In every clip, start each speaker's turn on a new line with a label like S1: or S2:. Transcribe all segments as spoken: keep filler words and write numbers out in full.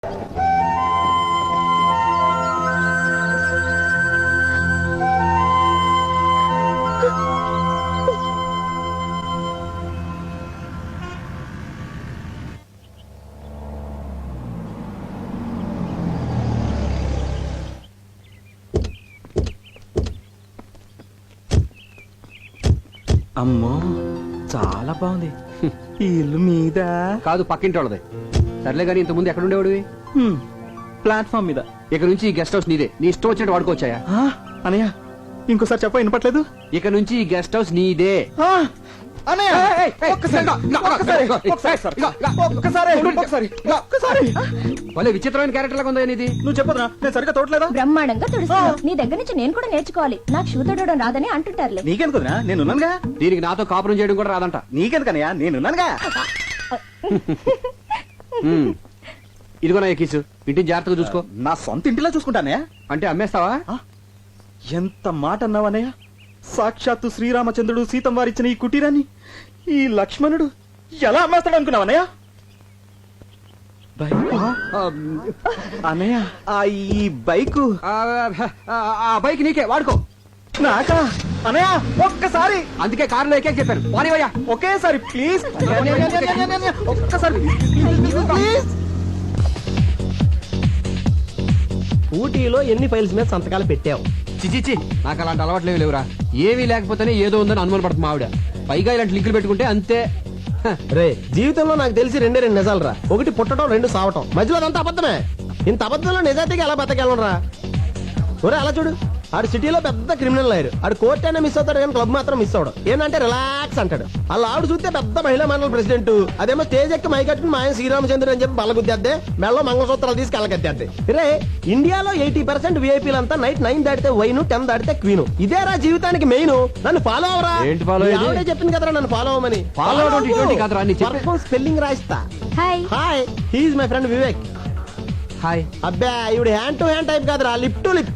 S1: అమ్మో చాలా బాగుంది. ఈ ఇల్లు మీద
S2: కాదు, పక్కింటి వాళ్ళది. సర్లే గానీ ఇంత ముందు ఎక్కడ ఉండేవాడివి?
S1: ప్లాట్ఫామ్ మీద.
S2: ఇక నుంచి ఈ గెస్ట్ హౌస్ నీదే, నీ ఇష్టం వచ్చినట్టు వాడుకోవచ్చాయా?
S1: అనయ్య ఇంకోసారి చెప్ప వినపట్లేదు.
S2: ఇక నుంచి ఈ గెస్ట్ హౌస్ నీదే. భలే విచిత్రమైన క్యారెక్టర్ లాగా ఉందా ఇది?
S1: నువ్వు చెప్పదురా, నేను సరిగ్గా తోటలేదా?
S3: బ్రహ్మాండంగా తొడుస్తున్నావు. నీ దగ్గర నుంచి నేను కూడా నేర్చుకోవాలి. నాకు షూ తొడడం రాదని అంటుంటారులే.
S1: నీకెందుకురా, నేనున్నానుగా.
S2: దీనికి నాతో కాపురం చేయడం కూడా రాదంట.
S1: నీకెందుకనయ్యా, నేనున్నానుగా.
S2: ఇదిగో నా ఎక్కిసు, ఇంటిని జాగ్రత్తగా చూసుకో.
S1: నా సొంత ఇంటిలో చూసుకుంటానే.
S2: అంటే అమ్మేస్తావా?
S1: ఎంత మాట అన్నావనయ్య. సాక్షాత్తు శ్రీరామచంద్రుడు సీతం వారిచ్చిన ఈ కుటీరాన్ని ఈ లక్ష్మణుడు ఎలా అమ్మేస్తాడు అనుకున్నావనయ్య? అన్నయ్య, ఈ బైకు
S2: ఆ బైక్ నీకే, వాడుకో.
S1: నాకా అనయ్య? ఒక్కసారి.
S2: అందుకే కారులో ఎక్కే చెప్పాను. పోనీవయ్యా
S1: ఒకేసారి ప్లీజ్, ఒక్కసారి ప్లీజ్.
S4: ఊటీలో ఎన్ని ఫైల్స్ మీద సంతకాలు పెట్టావు?
S2: చిచిచి, నాకు అలాంటి అలవాట్లేవి లేవురా. ఏమీ లేకపోతేనే ఏదో ఉందని అనుమాన పడుతుంది ఆవిడ. పైగా ఇలాంటి లింకులు పెట్టుకుంటే అంతే.
S4: రే, జీవితంలో నాకు తెలిసి రెండే రెండు నిజాలు రా. ఒకటి పుట్టడం, రెండు సావటం. మధ్యలో అదంతా అబద్ధమే. ఇంత అబద్ధంలో నిజాయితీగా ఎలా బతకెళ్ళరా? ఒరే అలా చూడు, ఆడు సిటీలో పెద్ద క్రిమినల్ లాయర్. ఆడు కోర్ట్ అయినా మిస్ అవుతాడు కానీ క్లబ్ మాత్రం మిస్ అవడం. ఏంటంటే రిలాక్స్ అంటాడు. అలా ఆవిడ చూస్తే పెద్ద మహిళా మండలి ప్రెసిడెంట్. అదేమో స్టేజ్ ఎక్కి మైకట్టుకుని మా ఆయన శ్రీరామచంద్ర అని చెప్పి బల్లగుద్దేద్దే, మెళ్ళలో మంగళసూత్రాలు తీసుకు వెళ్ళగద్దేద్దే. రే, ఇండియాలో ఎయిటీ పర్సెంట్ విఐపీలంతా నైట్ నైన్ దాటితే వైన్, టెన్ దాటితే క్వీన్. ఇదేరా జీవితానికి మెయిన్. నన్ను ఫాలో అవరా.
S2: ఏంటి ఫాలో?
S4: ఆవిడే చెప్పింది కదరా నన్ను ఫాలో అవ్వమని.
S2: ఫాలో అవడం
S4: స్పెల్లింగ్ రాయిస్తా.
S3: Hi
S4: hi, he's my friend Vivek.
S2: Hi.
S4: అబ్బా, ఇవిడు హ్యాండ్ టు హ్యాండ్ టైప్ కాదురా, లిప్ టు లిప్.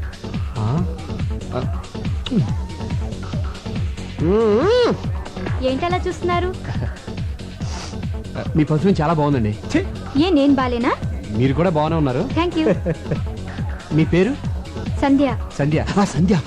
S3: ఏంటలా చూస్తున్నారు?
S2: మీ పర్ఫ్యూమ్ చాలా బాగుందండి.
S3: ఏ నేను బాలేనా?
S2: మీరు కూడా బాగానే ఉన్నారు.
S3: Thank you.
S2: మీ పేరు?
S3: సంధ్య.
S2: సంధ్య. సంధ్య.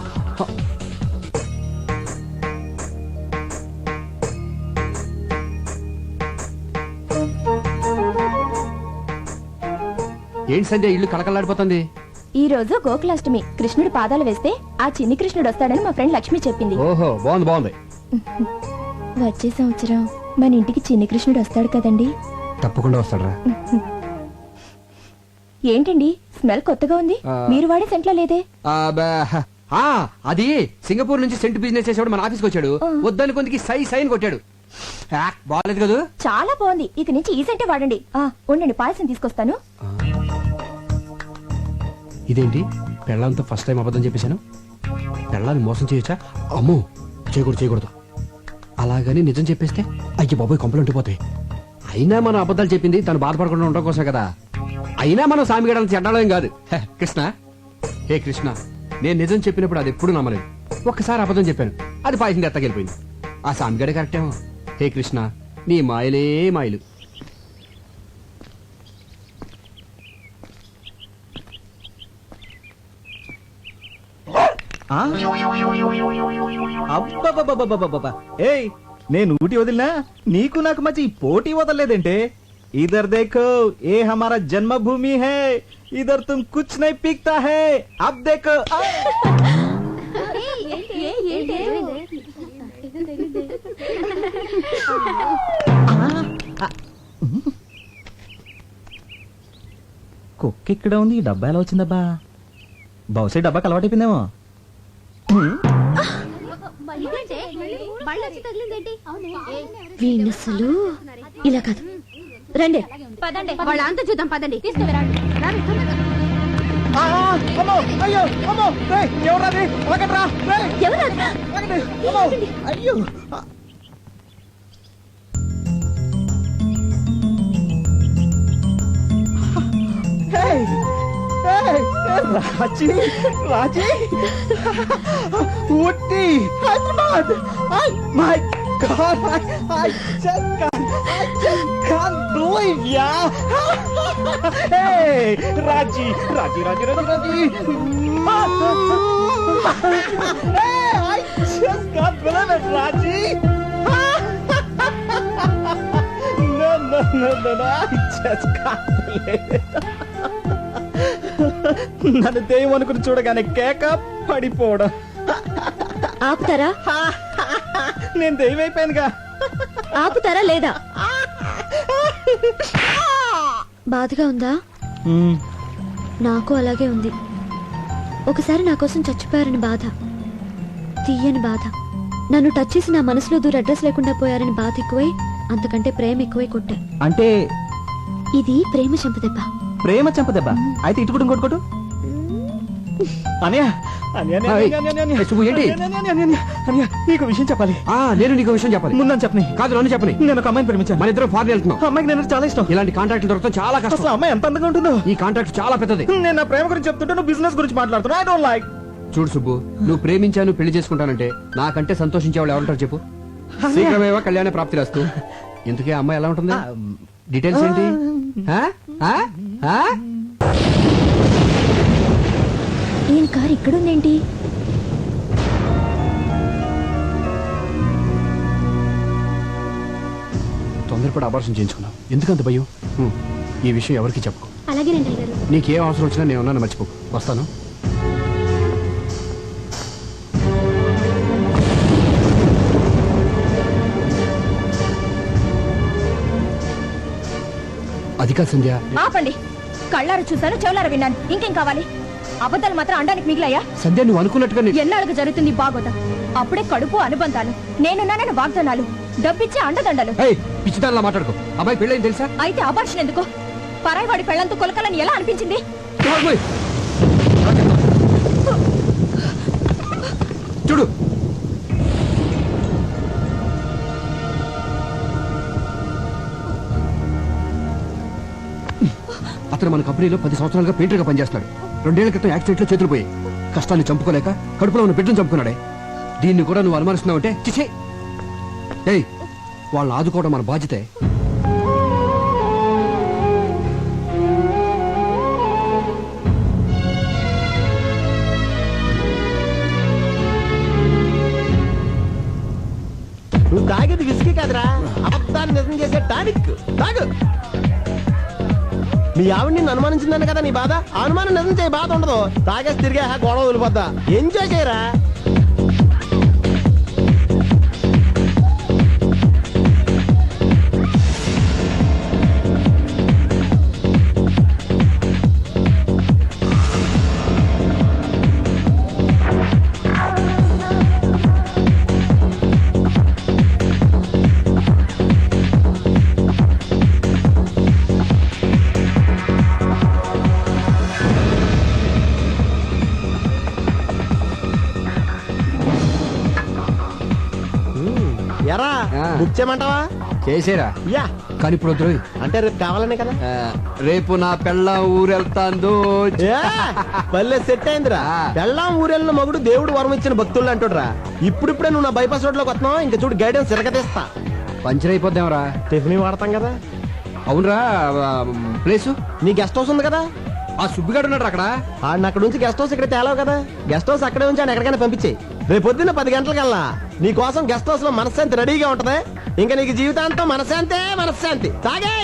S2: ఏంటి సంధ్య, ఇల్లు కలకలాడిపోతుంది?
S3: ఈ రోజు గోకులాష్టమి. కృష్ణుడు పాదాలు వేస్తే ఆ చిన్ని కృష్ణుడు వస్తాడని మా ఫ్రెండ్ లక్ష్మి చెప్పింది.
S2: ఓహో, బాగుంది బాగుంది.
S3: వచ్చే సంవత్సరం మన ఇంటికి చిన్ని కృష్ణుడు వస్తాడు కదండి?
S2: తప్పకుండా వస్తాడరా.
S3: ఏంటండి స్మెల్ కొత్తగా ఉంది? మీరు వాడే సెంట్లో లేదే?
S2: అది సింగపూర్ నుంచి సెంట్ బిజినెస్ చేసేవాడు మన ఆఫీస్కి వచ్చాడు. వద్దని కొందికి సై సైన్ కొట్టాడు. బాగాలేదు కదా?
S3: చాలా బాగుంది. ఇక నుంచి ఈ సెంటే వాడండి. ఉండండి, పాయసం తీసుకొస్తాను.
S2: ఇదేంటి, పెళ్ళంతో ఫస్ట్ టైం అబద్ధం చెప్పేశాను. పెళ్ళాన్ని మోసం చేయొచ్చా? అమ్మో, చేయకూడదు చేయకూడదు. అలాగని నిజం చెప్పేస్తే అయ్యి బాబోయ్ కొంపలు ఉండిపోతాయి. అయినా మనం అబద్ధాలు చెప్పింది తను బాధపడకుండా ఉండడం కోసం కదా. అయినా మనం సామిగడాలను చెడ్డాలేం కాదు. కృష్ణ, హే కృష్ణ, నేను నిజం చెప్పినప్పుడు అది ఎప్పుడు నమ్మలేదు. ఒక్కసారి అబద్ధం చెప్పాను, అది పాయసం ఎత్తగెళ్ళిపోయింది. ఆ సామిగడే కరెక్టేమో. హే కృష్ణ, నీ మాయలే మాయలు.
S1: ఏయ్, నేను ఊటి వదిలినా నీకు నాకు మధ్య ఈ పోటీ వదలలేదంటే? ఇధర్ देखो, ये हमारा जन्मभूमि है. इधर तुम कुछ नहीं पीकता है. अब देखो. కుక్క ఇక్కడ ఉంది, ఈ డబ్బా ఎలా వచ్చిందబ్బా? బహుశా డబ్బాకి అలవాటైపోయిందేమో.
S3: వీణసలు ఇలా కాదు. రండి
S5: పదండి, వాళ్ళ అంతా చూద్దాం. పదండి,
S1: అయ్యో అమ్మో, ఎవరాది? అయ్యో, Raji Raji Ooty Hyderabad. My God, I, I just can't, I just can't believe, yeah. Hey, Raji, Raji, Raji, Raji, Raji. Hey, I just can't believe it, Raji. No, no, no, no, no, I just can't believe it. నన్ను దెయ్యం అనుకుని చూడగానే కేక పడిపోవడం.
S3: ఆపుతారా
S1: నేను దెయ్యం అయిపోయానుగా.
S3: ఆపుతారా లేదా? బాధగా ఉందా? నాకు అలాగే ఉంది. ఒకసారి నా కోసం చచ్చిపోయారని బాధ, తీయని బాధ. నన్ను టచ్ చేసి నా మనసులో దూర అడ్రస్ లేకుండా పోయారని బాధ ఎక్కువై, అంతకంటే ప్రేమ ఎక్కువై కొట్టా.
S1: అంటే
S3: ఇది ప్రేమ చంపదెబ్బ.
S1: ప్రేమ చంపదెబ్బ. అయితే ఇటు కూడా ఇంకోటి కొట్టు. అన్నయ్య, అన్నయ్య, అన్నయ్య,
S2: ఏయ్,
S1: అన్నయ్య, అన్నయ్య,
S2: ఏ శుభు, ఏంటి?
S1: అన్నయ్య, అన్నయ్య, అన్నయ్య, అన్నయ్య, నీకు విషయం చెప్పాలి.
S2: ఆ నేను నీకు విషయం చెప్పాలి.
S1: ముందని చెప్పని.
S2: కాదు, నన్ను చెప్పని.
S1: నేను ఒక అమ్మాయిని ప్రేమించాను.
S2: మన ఇద్దరం ఫారెన్ వెళ్తున్నాం.
S1: ఆ అమ్మాయికి నేను చాలా ఇష్టం.
S2: ఇలాంటి కాంట్రాక్ట్ దొరకడం చాలా కష్టం.
S1: అసలు ఆ అమ్మాయి ఎంత అందంగా ఉంటుందో.
S2: ఈ కాంట్రాక్ట్ చాలా పెద్దది.
S1: నేను నా ప్రేమ గురించి చెప్తుంటే నువ్వు బిజినెస్ గురించి మాట్లాడుతున్నా. I don't like.
S2: చూడు సుబ్బు, నువ్వు ప్రేమించాను పెళ్లి చేసుకుంటానంటే నాకంటే సంతోషించే వాళ్ళు ఎవరుంటారు చెప్పు? శీఘ్రమేవో కళ్యాణ ప్రాప్తి రాస్తూ. ఇంతకీ ఆ అమ్మాయి ఎలా ఉంటుంది? డీటెయిల్స్ ఏంటి? ఆ? ఆ? ఆ?
S3: ఈయన కారు ఇక్కడుందేంటి?
S2: తొందరపడి అబార్షన్ చేయించుకున్నావు. ఎందుకంత భయం? హ్మ్. ఈ విషయం ఎవరికి చెప్పు.
S3: అలాగే రండి గారు.
S2: నీకేం అవసరం వచ్చినా నేను ఉన్నాను, మర్చిపో. వస్తాను. అది కాదు సంధ్య.
S3: ఆపండి. కళ్ళారు చూశాను, చెవులారు విన్నాను. ఇంకేం కావాలి? అబద్ధాలు మాత్రం అండానికి మిగిలాయా?
S2: సంధ్య, నువ్వు అనుకున్నట్టుగా నీ-
S3: ఎన్నాళ్ళకు జరుగుతుంది బాగోదా? అప్పుడే కడుపు అనుబంధాలు, నేనున్నానని వాగ్దానాలు, డబ్బిచ్చే అండదండలు.
S2: ఏయ్, పిచ్చిదానిలా మాట్లాడుకో. అబ్బాయి పెళ్ళైంది తెలుసా?
S3: అయితే అబార్షన్ ఎందుకు? పరాయివాడి పెళ్లంతో కొలకలని ఎలా అనిపించింది?
S2: నోర్మోయ్. చూడు, అతను మన కంపెనీలో పది సంవత్సరాలుగా పెయింటర్గా పనిచేస్తున్నాడు. రెండేళ్ల క్రితం యాక్సిడెంట్ లో చేతులు పోయి కష్టాన్ని చంపుకోలేక కడుపులో ఉన్న బిడ్డను చంపుకున్నాడే. దీన్ని కూడా నువ్వు అనుమానిస్తున్నావంటే చిచే. ఏయ్, వాళ్ళని ఆదుకోవడం మన బాధ్యతే.
S4: నువ్వు తాగేది విసికి కాదురా, అబద్ధాన్ని నిజం చేసే టానిక్. తాగు. మీ ఆవిడ నిన్ను అనుమానించిందని కదా నీ బాధ. ఆ అనుమానం నిజం చేయ బాధ ఉండదు. తాగేసి తిరిగే గొడవ వదిలిపోద్దా. ఎంజాయ్ చేయరా. ఎరా
S2: ఆ.
S4: బుక్ చేయమంటావా?
S2: చేసేరా.
S4: యా.
S2: కానీ ఇప్పుడు వద్దు.
S4: అంటే రేపు కావాలనే కదా.
S2: ఆ, రేపు నా పెళ్ళ ఊరెళ్తాందో.
S4: ఏ, భలే సెట్ అయిందిరా.
S2: ఆ.
S4: పెళ్ళాం ఊరెళ్ళిన మగుడు దేవుడు వరం ఇచ్చిన భక్తులు అంటుడ్రా. ఇప్పుడిప్పుడే నువ్వు నా బైపాస్ రోడ్ లోకి వస్తున్నావు. ఇంకా చూడు గైడెన్స్ తిరగతీస్తా.
S2: పంచర్ అయిపోద్దాంరా.
S4: టిఫిన్ వాడతాం కదా.
S2: అవునరా, ప్లేసు
S4: నీ గెస్ట్ హౌస్ ఉంది కదా.
S2: ఆ సుబ్బిగాడు ఉన్నాడు అక్కడ.
S4: ఆడిని అక్కడ నుంచి గెస్ట్ హౌస్ ఇక్కడ తేలావు కదా. గెస్ట్ హౌస్ అక్కడే ఉంచి ఆయన ఎక్కడికైనా పంపించేయి. రేపు పొద్దున్న పది గంటలకల్లా నీ కోసం గెస్ట్ హౌస్ లో మనశ్శాంతి రెడీగా ఉంటది. ఇంకా నీకు జీవితాంతం మనశ్శాంతే మనశ్శాంతి. తాగే.